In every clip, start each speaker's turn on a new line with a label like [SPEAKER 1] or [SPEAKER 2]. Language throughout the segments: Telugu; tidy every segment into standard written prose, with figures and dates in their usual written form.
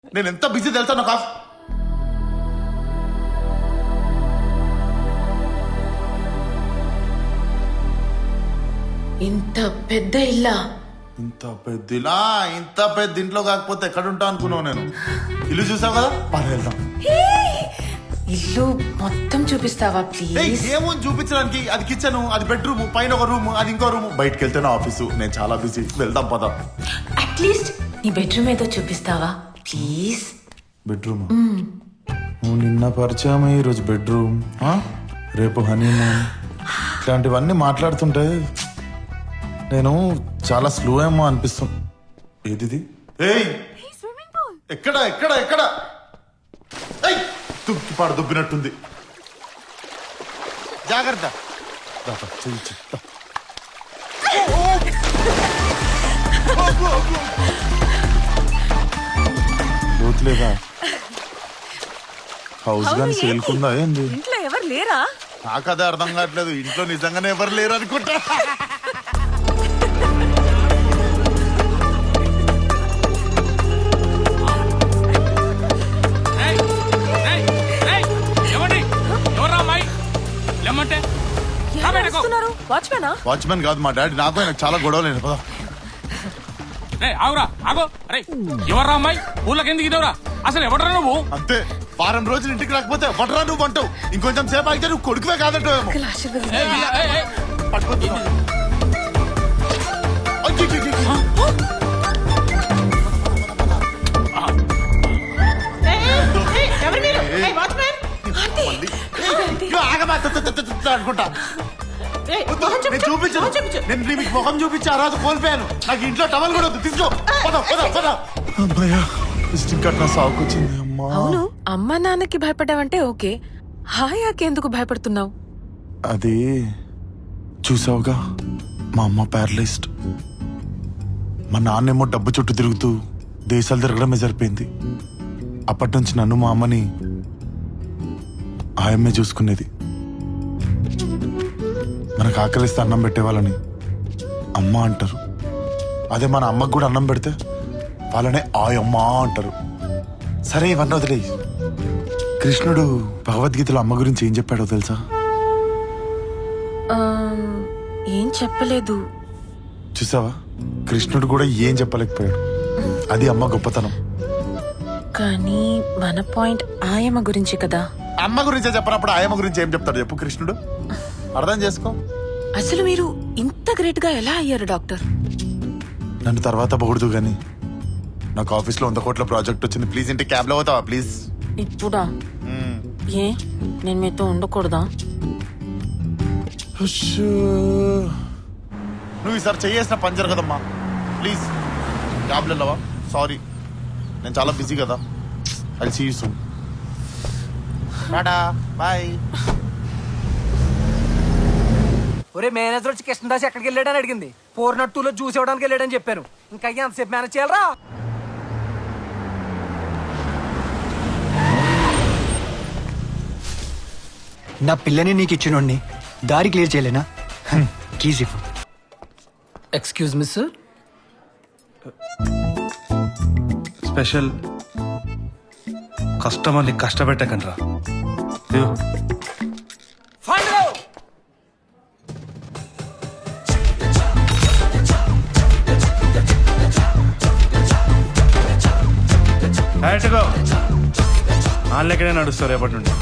[SPEAKER 1] నేను ఎంత బిజీ తెలుసా నాకు
[SPEAKER 2] ఇంత పెద్ద ఇల్లా?
[SPEAKER 1] ఇంత పెద్ద ఇంట్లో కాకపోతే ఎక్కడ ఉంటా అనుకున్నావు నేను. ఇల్లు చూసావు కదా, పని వెళ్దాం.
[SPEAKER 2] ఇల్లు మొత్తం చూపిస్తావా ప్లీజ్?
[SPEAKER 1] ఏమని చూపించడానికి? అది కిచెన్, అది బెడ్రూమ్, పైన ఒక రూమ్, అది ఇంకో రూమ్, బయటకు వెళ్తే నా ఆఫీసు. నేను చాలా బిజీ, వెళ్దాం పద.
[SPEAKER 2] అట్లీస్ట్ నీ బెడ్రూమ్ ఏదో చూపిస్తావా ప్లీజ్?
[SPEAKER 1] బెడ్రూమ్ నువ్వు నిన్న పరిచయం, ఈరోజు బెడ్రూమ్, రేపు హనీమూన్, ఇట్లాంటివన్నీ మాట్లాడుతుంటే నేను చాలా స్లో ఏమో అనిపిస్తుంది. ఏది? ఎక్కడ ఎక్కడ ఎక్కడ? తుక్కిపాడు దుబ్బినట్టుంది. జాగ్రత్త. లోతులేదా? హౌస్ గాని సేల్కుందా ఏంది?
[SPEAKER 3] ఇంట్లో ఎవరు లేరా?
[SPEAKER 1] నాకు అదే అర్థం కావట్లేదు. ఇంట్లో నిజంగానే ఎవరు లేరు అనుకుంటా. వాచ్మెన్ కాదు మా డాడీ. నాకు ఆయన చాలా గొడవలేదు. పదా
[SPEAKER 4] ఆగురా ఆగో. అరే ఎవర్రా అమ్మాయి? ఊళ్ళకి ఎందుకు ఇదవరా? అసలు ఎవడరా నువ్వు?
[SPEAKER 1] అంతే, వారం రోజులు ఇంటికి రాకపోతే వడరా నువ్వు అంటావు. ఇంకొంచెం సేపు అయితే నువ్వు కొడుకువే కాదంటావేమో. అనుకుంటా చూపించు. నేను మీకు ముఖం చూపించి ఆ రోజు కోల్పోయాను. నాకు ఇంట్లో టవల్ కూడా వద్దు. తీసుకో. సాగుకొచ్చింది.
[SPEAKER 2] అవును, అమ్మా నాన్నకి భయపడ్డావంటే ఓకే, హాయాకి ఎందుకు భయపడుతున్నావు?
[SPEAKER 1] అది చూసావుగా, మా అమ్మ ప్యారలైజ్డ్, మా నాన్నేమో డబ్బు చుట్టూ తిరుగుతూ దేశాలు తిరగడమే సరిపోయింది. అప్పటి నుంచి నన్ను మా అమ్మని ఆయమ్మే చూసుకునేది. మనకు ఆకలిస్తే అన్నం పెట్టేవాళ్ళని అమ్మ అంటారు. అదే మన అమ్మకు కూడా అన్నం పెడితే వాళ్ళనే ఆయమ్మ అంటారు. సరే ఇవన్నీ వదిలే. కృష్ణుడు భగవద్గీతలో అమ్మ గురించి ఏం చెప్పాడో తెలుసా?
[SPEAKER 2] ఏం చెప్పలేదు.
[SPEAKER 1] చూసావా, కృష్ణుడు కూడా ఏం చెప్పలేకపోయాడు. అది అమ్మ గొప్పతనం.
[SPEAKER 2] కానీ మన పాయింట్ ఆయమ్మ గురించి కదా.
[SPEAKER 1] అమ్మ గురించే చెప్పనప్పుడు ఆయమ్మ గురించి ఏం చెప్తాడు చెప్పు కృష్ణుడు? అర్థం చేసుకో.
[SPEAKER 2] అసలు మీరు ఇంత గ్రేట్ గా ఎలా అయ్యారు డాక్టర్?
[SPEAKER 1] నన్ను తర్వాత పొగుడుతూ గాని నాకు ఆఫీస్ లో 100 కోట్ల ప్రాజెక్ట్ వచ్చింది. ప్లీజ్ ఇంటి క్యాబ్ లో అవుతావా ప్లీజ్?
[SPEAKER 2] ఇప్పుడా? ఏ నేను మీతో ఉండకూడదా?
[SPEAKER 1] నువ్వు ఈసారి చేయేసిన పని జరగదమ్మా. ప్లీజ్ క్యాబ్ లో వెళ్ళవా? సారీ, నేను చాలా బిజీ కదా. అది see you soon. Tata bye.
[SPEAKER 5] ఒరే మేనేజర్ వచ్చి కృష్ణదాస్ ఎక్కడికి వెళ్ళాడని అడిగింది. 402లో జ్యూస్ ఇవ్వడానికి వెళ్ళాడని చెప్పాను. ఇంకా ఎంతసేపు మేనేజ్ చేయాలరా?
[SPEAKER 6] నా పిల్లని నీకు ఇచ్చినోడిని దారి క్లియర్ చేయలేనా? కీజ్ ఇవ్వు.
[SPEAKER 5] Excuse me sir.
[SPEAKER 7] స్పెషల్ కస్టమర్ని కష్టపెట్టకండ్రా. వాళ్ళెక్కడే నడుస్తారు రేపటి నుండి.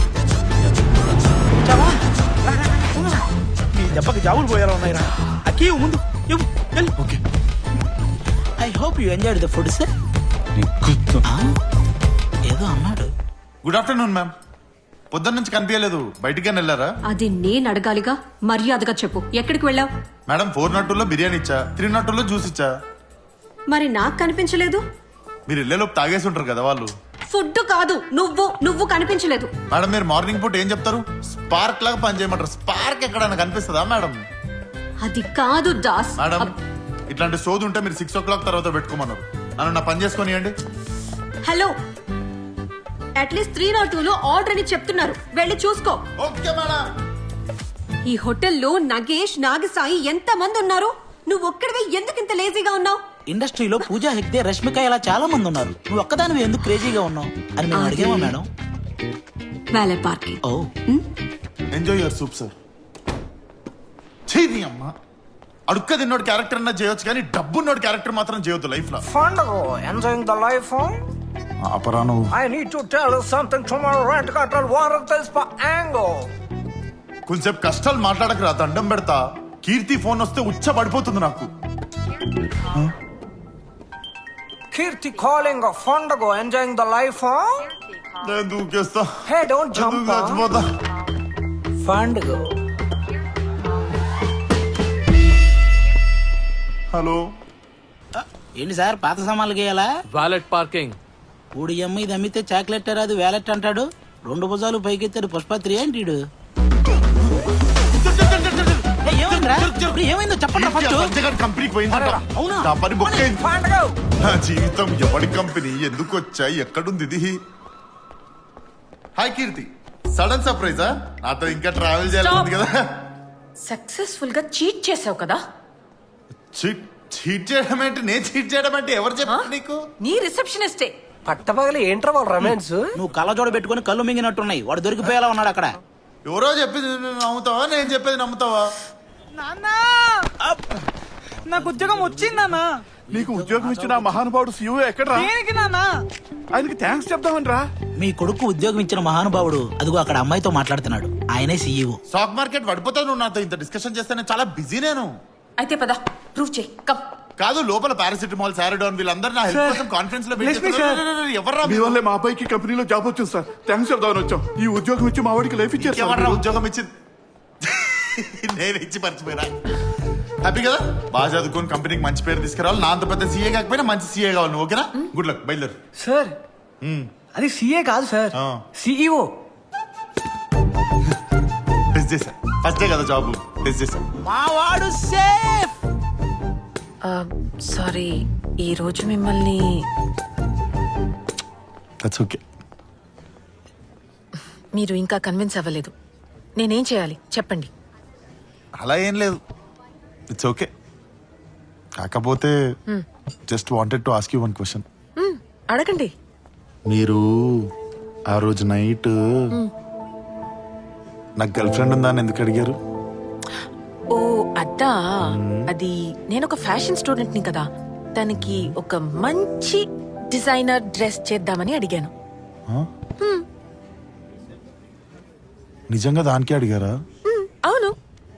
[SPEAKER 8] నీ దెబ్బకి జావులు పోయేలా ఉన్నాయిరా. అక్కీ ముందు okay. I hope you enjoyed the food sir. ఏదో అన్నాడు.
[SPEAKER 1] Good afternoon ma'am. పొద్దున్న నుంచి కనిపించలేదు, బయటికి వెళ్ళారా?
[SPEAKER 9] అది నేను అడగాలిగా, మర్యాదగా చెప్పు, ఎక్కడికి వెళ్ళావు?
[SPEAKER 1] మేడం 402లో బిర్యానీ ఇచ్చా, 302లో జ్యూస్ ఇచ్చా.
[SPEAKER 9] మరి నాకు కనిపించలేదు.
[SPEAKER 1] మీరు వెళ్ళేలోపు తాగేసి ఉంటారు కదా వాళ్ళు.
[SPEAKER 9] ఫుడ్ కాదు, నువ్వు కనిపించలేదు.
[SPEAKER 1] మేడం మీరు మార్నింగ్ పూట ఏం చెప్తారు? స్పార్క్ లాగా పని చేయమంటారు. స్పార్క్ ఎక్కడైనా కనిపిస్తుందా మేడం?
[SPEAKER 9] అది కాదు దాస్.
[SPEAKER 1] మేడం ఇట్లాంటి సోదు ఉంటే మీరు 6 o'clock తర్వాత పెట్టుకోమన్నారు. నన్ను నా పని చేసుకొనియండి.
[SPEAKER 9] హలో, అట్లీస్ట్ 302లో ఆర్డర్ అని చెప్తున్నారు, వెళ్ళి చూసుకో.
[SPEAKER 1] Okay madam.
[SPEAKER 9] ఈ హోటల్లో నగేష్, నాగసాయి ఎంత మంది ఉన్నారు? నువ్వు ఒక్కడివే ఎందుకు ఇంత లేజీగా ఉన్నావు?
[SPEAKER 8] ఇండస్ట్రీలో పూజా హెగ్డే, రష్మిక ఇలా చాలా మంది ఉన్నారు. నువ్వు ఒక్కదానివి ఎందుకు క్రేజీగా ఉన్నావు అని మేము అడిగామా madam?
[SPEAKER 9] Valet parking.
[SPEAKER 8] Oh
[SPEAKER 1] enjoy your soup sir. చేయి అమ్మ, అడుక్క తిన్నోడు క్యారెక్టర్ అన్నా చేయొచ్చు కానీ డబ్బున్నోడు క్యారెక్టర్ మాత్రం చేయొద్దు లైఫ్ లో.
[SPEAKER 5] Fandango, enjoying the life, huh?
[SPEAKER 1] అపరా నువ్వు.
[SPEAKER 5] I need to tell you something tomorrow, rent control, water tells for angle.
[SPEAKER 1] కొంచెం కష్టాలు మాట్లాడకరా, దండం పెడతా. కీర్తి ఫోన్ వస్తే ఉచ్చ పడిపోతుంది నాకు.
[SPEAKER 5] Kirti calling a Fandango, enjoying the life, huh?
[SPEAKER 1] నేను దూకేస్తా.
[SPEAKER 5] Hey, don't jump,
[SPEAKER 1] నేను చచ్చిపోతా.
[SPEAKER 5] Fandango.
[SPEAKER 1] హలో,
[SPEAKER 8] ఏంటి సార్ పాత సామాన్లు గేయాలా?
[SPEAKER 3] Valet parking.
[SPEAKER 8] ఊడి అమ్మ ఇది అమ్మితే చాక్లెట్ రాదు వ్యాలెట్ అంటాడు. 2 భుజాలు పైకెత్తాడు పుష్పత్రి ఏంటి ఈడు? ఏమైందిరా? ఇప్పుడు ఏమైందో చెప్పండి ఫస్ట్.
[SPEAKER 1] లంచగాడి కంపెనీకి పోయిందంట.
[SPEAKER 8] అవునా?
[SPEAKER 1] నా పని బుక్ అయింది.
[SPEAKER 5] Fandango.
[SPEAKER 1] నా జీవితం ఎవడి కంపెనీ, ఎందుకు వచ్చాయి, ఎక్కడుంది ఇది? హాయ్ కీర్తి, సడన్ సర్ప్రైజా? నాతో ఇంకా ట్రావెల్ చేయాలి కదా.
[SPEAKER 2] సక్సెస్ఫుల్ గా చీట్ చేసావు కదా.
[SPEAKER 1] చీట్ చేయడం ఏంటి? నేను చీట్ చేయడం అంటే ఎవరు చెప్పారు నీకు?
[SPEAKER 2] నీ రిసెప్షనిస్టే.
[SPEAKER 5] పట్టపగలి ఏంట్రా వాళ్ళ రొమాన్స్?
[SPEAKER 8] నువ్వు కళ్ళజోడ పెట్టుకుని కళ్ళు మింగినట్టున్నాయి. వాడు దొరికిపోయేలా ఉన్నాడు అక్కడ.
[SPEAKER 1] ఎవరో చెప్పింది నువ్వు నమ్ముతావా, నేను చెప్పేది నమ్ముతావా?
[SPEAKER 5] నాకు ఉద్యోగం వచ్చిందన్నా.
[SPEAKER 7] నీకు ఉద్యోగం ఇచ్చిన ఆ మహానుభావుడు సీఓ ఎక్కడరా?
[SPEAKER 5] దేనికి నాన్నా?
[SPEAKER 7] ఆయనకి థ్యాంక్స్ చెప్దామని రా.
[SPEAKER 8] మీ కొడుకు ఉద్యోగం ఇచ్చిన మహానుభావుడు అదిగో అక్కడ అమ్మాయితో మాట్లాడుతున్నాడు. ఆయనే సీఈఓ.
[SPEAKER 1] స్టాక్ మార్కెట్ పడిపోతావు నువ్వు నాతో ఇంత డిస్కషన్ చేస్తే. నేను చాలా బిజీ. నేను
[SPEAKER 2] అయితే పద ప్రూవ్ చేయి. కమ్.
[SPEAKER 1] కాదు, లోపల పారాసిటమాల్, సారడాన్ వీళ్ళందరూ నా హెల్ప్ కోసం కాన్ఫరెన్స్ లో ఎవర్రా
[SPEAKER 7] మీ వల్లే మా అబ్బాయికి కంపెనీలో జాబ్ వచ్చింది సార్. థ్యాంక్స్ చెప్దామని వచ్చాం. ఈ ఉద్యోగం ఇచ్చి మా వాడికి లైఫ్ ఇచ్చారు.
[SPEAKER 1] ఎవర్రా ఉద్యోగం ఇచ్చింది? నేను ఇచ్చి మర్చిపోయినా. హ్యాపీ కదా? బాగా చదువుకొని కంపెనీకి మంచి పేరు తీసుకురావాలి. నా అంత పెద్ద సీఏ కాకపోయినా మంచి సీఏ కావాలి నువ్వు. ఓకేనా? గుడ్ లక్, బయలుదేరు.
[SPEAKER 5] సార్ అది సీఏ కాదు సార్, సిఇఓ.
[SPEAKER 1] టెస్ట్ చేశా, ఫస్ట్ డే కదా జాబ్, టెస్ట్ చేశా.
[SPEAKER 8] మా వాడు సేఫ్.
[SPEAKER 2] సారీ, ఈ రోజు మిమ్మల్ని
[SPEAKER 1] దట్స్ ఓకే.
[SPEAKER 2] మీరు ఇంకా కన్విన్స్ అవ్వలేదు. నేనేం చేయాలి చెప్పండి.
[SPEAKER 1] అలా ఏం లేదు, ఇట్స్ ఓకే. కాకపోతే just wanted to ask you one question.
[SPEAKER 2] అడగండి.
[SPEAKER 1] మీరు ఆ రోజు నైట్ నాకు గర్ల్ ఫ్రెండ్ ఉందా అని ఎందుకు అడిగారు?
[SPEAKER 2] ఓ అద్దా, అది నేను ఒక ఫ్యాషన్ స్టూడెంట్ ని కదా, తనకి ఒక మంచి డిజైనర్ డ్రెస్ చేద్దామని అడిగాను.
[SPEAKER 1] నిజంగా దానికే అడిగారా?
[SPEAKER 2] అవును.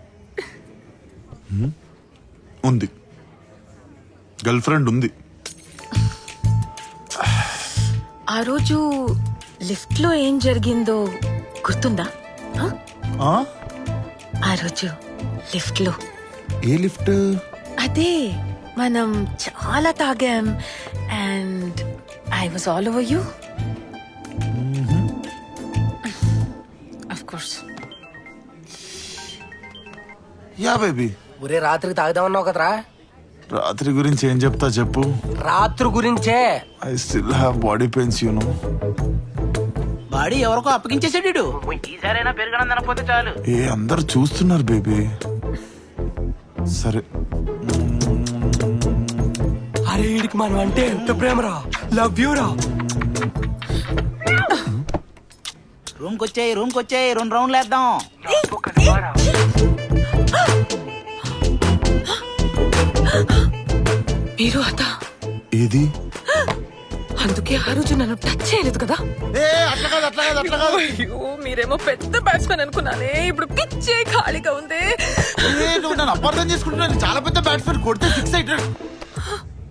[SPEAKER 1] ఉంది, గర్ల్ ఫ్రెండ్ ఉంది.
[SPEAKER 2] ఆ రోజు లిఫ్ట్ లో ఏం జరిగిందో గుర్తుందా? ఆ రోజు లిఫ్ట్ లో.
[SPEAKER 1] ఏ లిఫ్ట్?
[SPEAKER 2] అదే మనం చాలా తాగాం and I was all over you. Of course.
[SPEAKER 1] Yeah baby.
[SPEAKER 5] ఒరే రాత్రికి తాగుదామన్నావు కదరా.
[SPEAKER 1] రాత్రి గురించి ఏం చెప్తా చెప్పు.
[SPEAKER 5] రాత్రి గురించే.
[SPEAKER 1] I still have body pains you know.
[SPEAKER 8] Body ఎవరికో అప్పగించేసాడు. ఈసారైనా పెరగడం తినకపోతే చాలు.
[SPEAKER 1] ఏ అందరు చూస్తున్నారు బేబీ. సరే.
[SPEAKER 5] అరే వీడికి మనం అంటే ఎంత ప్రేమరా, లవ్ యూ రా.
[SPEAKER 8] రూమ్కి వచ్చాయి 2 రౌండ్లు వేద్దాం.
[SPEAKER 2] మీరు అదా?
[SPEAKER 1] ఏది?
[SPEAKER 2] అందుకే ఆ రోజు నన్ను టచ్ చేయలేదు కదా.
[SPEAKER 1] అట్లా కాదు, అట్లా కాదు, అట్లా కాదు.
[SPEAKER 2] అయ్యో, మీరేమో పెద్ద బ్యాట్స్మెన్ అనుకున్నానే, ఇప్పుడు పిచ్చే ఖాళీగా ఉంది.
[SPEAKER 1] నువ్వు నన్ను అపార్థం చేసుకుంటున్నాను. చాలా పెద్ద బ్యాట్స్మెన్, కొడితే 6 అవుతాడు.